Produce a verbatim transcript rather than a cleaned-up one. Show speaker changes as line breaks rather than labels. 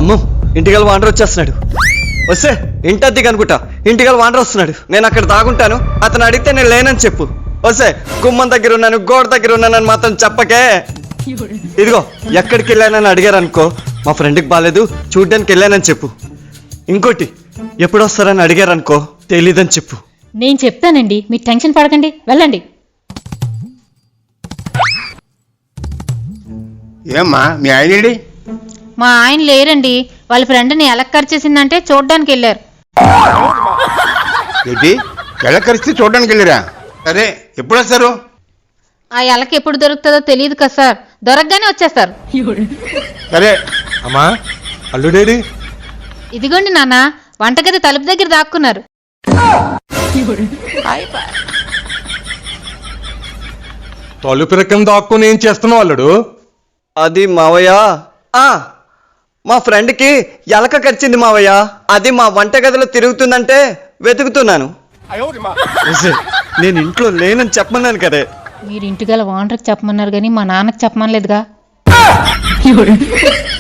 అమ్మో ఇంటికి వాండర్ వచ్చేస్తున్నాడు. వస్తే ఇంటద్ది కనుకుంటా ఇంటికి వాండర్ వస్తున్నాడు. నేను అక్కడ దాగుంటాను, అతను అడిగితే నేను లేనని చెప్పు. వస్తే గుమ్మం దగ్గర ఉన్నాను, గోడ దగ్గర ఉన్నానని మాత్రం చెప్పకే. ఇదిగో ఎక్కడికి వెళ్ళానని అడిగారు అనుకో, మా ఫ్రెండ్కి బాగాలేదు చూడ్డానికి వెళ్ళానని చెప్పు. ఇంకోటి ఎప్పుడు వస్తారని అడిగారు అనుకో, తెలీదని చెప్పు.
నేను చెప్తానండి, మీరు టెన్షన్ పడకండి, వెళ్ళండి.
ఏమ్మా మీ ఆయనేడి?
మా ఆయన లేరండి, వాళ్ళ ఫ్రెండ్ని ఎలా ఖర్చేసిందంటే చూడ్డానికి వెళ్ళారు.
ఏంటి ఎలా కలిస్తే చూడడానికి వెళ్ళారా? సరే ఎప్పుడు వస్తారు?
ఆ ఎలకి ఎప్పుడు దొరుకుతుందో తెలియదు కదా సార్, దొరకగానే వచ్చేస్తారు.
సరే.
అమ్మా అల్లుడేడి?
ఇదిగోండి నాన్న, వంటగది తలుపు దగ్గర దాక్కున్నారు.
తలుపు రకం దాక్కుని ఏం చేస్తున్నావు అల్లుడు?
అది మావయ్య, ఆ మా ఫ్రెండ్కి ఎలక కరిచింది మావయ్య. అది మా వంటగదిలో తిరుగుతుందంటే వెతుకుతున్నాను. నేను ఇంట్లో లేనని చెప్పమన్నాను కదే.
మీరు ఇంటిగల వాండర్కి చెప్పమన్నారు కానీ మా నాన్నకి చెప్పమనలేదుగా.